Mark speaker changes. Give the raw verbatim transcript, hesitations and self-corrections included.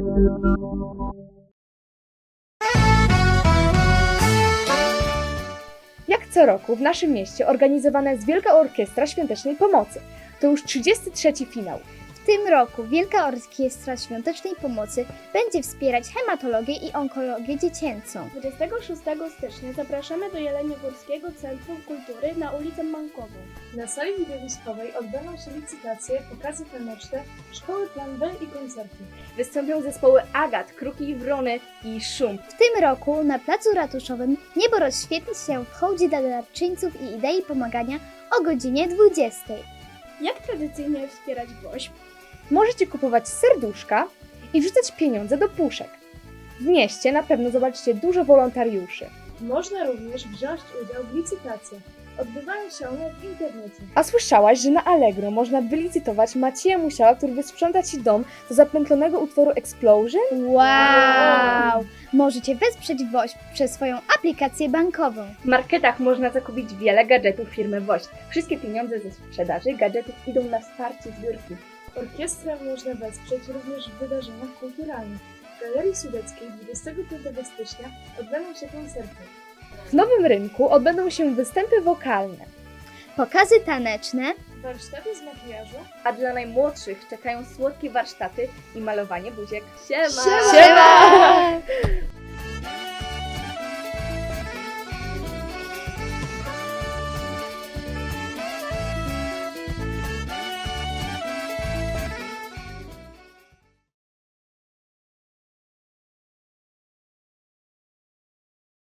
Speaker 1: Jak co roku w naszym mieście organizowana jest Wielka Orkiestra Świątecznej Pomocy. To już trzydziesty trzeci finał.
Speaker 2: W tym roku Wielka Orkiestra Świątecznej Pomocy będzie wspierać hematologię i onkologię dziecięcą.
Speaker 3: dwudziestego szóstego stycznia zapraszamy do Jeleniogórskiego Centrum Kultury na ulicę Mankową.
Speaker 4: Na sali widowiskowej odbędą się licytacje, pokazy taneczne, szkoły plan B i koncerty.
Speaker 1: Wystąpią zespoły Agat, Kruki i Wrony i Szum.
Speaker 2: W tym roku na Placu Ratuszowym niebo rozświetli się w hołdzie dla darczyńców i idei pomagania o godzinie dwudziestej.
Speaker 3: Jak tradycyjnie wspierać WOŚP?
Speaker 1: Możecie kupować serduszka i wrzucać pieniądze do puszek. W mieście na pewno zobaczycie dużo wolontariuszy.
Speaker 4: Można również wziąć udział w licytacjach. Odbywają się one w internecie.
Speaker 1: A słyszałaś, że na Allegro można wylicytować Macieja Musiała, który wysprząta Ci dom do zapętlonego utworu Explosion?
Speaker 2: Wow! Możecie wesprzeć WOŚP przez swoją aplikację bankową.
Speaker 1: W marketach można zakupić wiele gadżetów firmy WOŚP. Wszystkie pieniądze ze sprzedaży gadżetów idą na wsparcie zbiórki.
Speaker 4: Orkiestrę można wesprzeć również w wydarzeniach kulturalnych. W Galerii Sudeckiej dwudziestego piątego stycznia odbędą się koncerty.
Speaker 1: W Nowym Rynku odbędą się występy wokalne,
Speaker 2: Pokazy taneczne,
Speaker 4: Warsztaty z makijażu.
Speaker 1: a dla najmłodszych czekają słodkie warsztaty i malowanie buziek. Siema!
Speaker 2: Siema!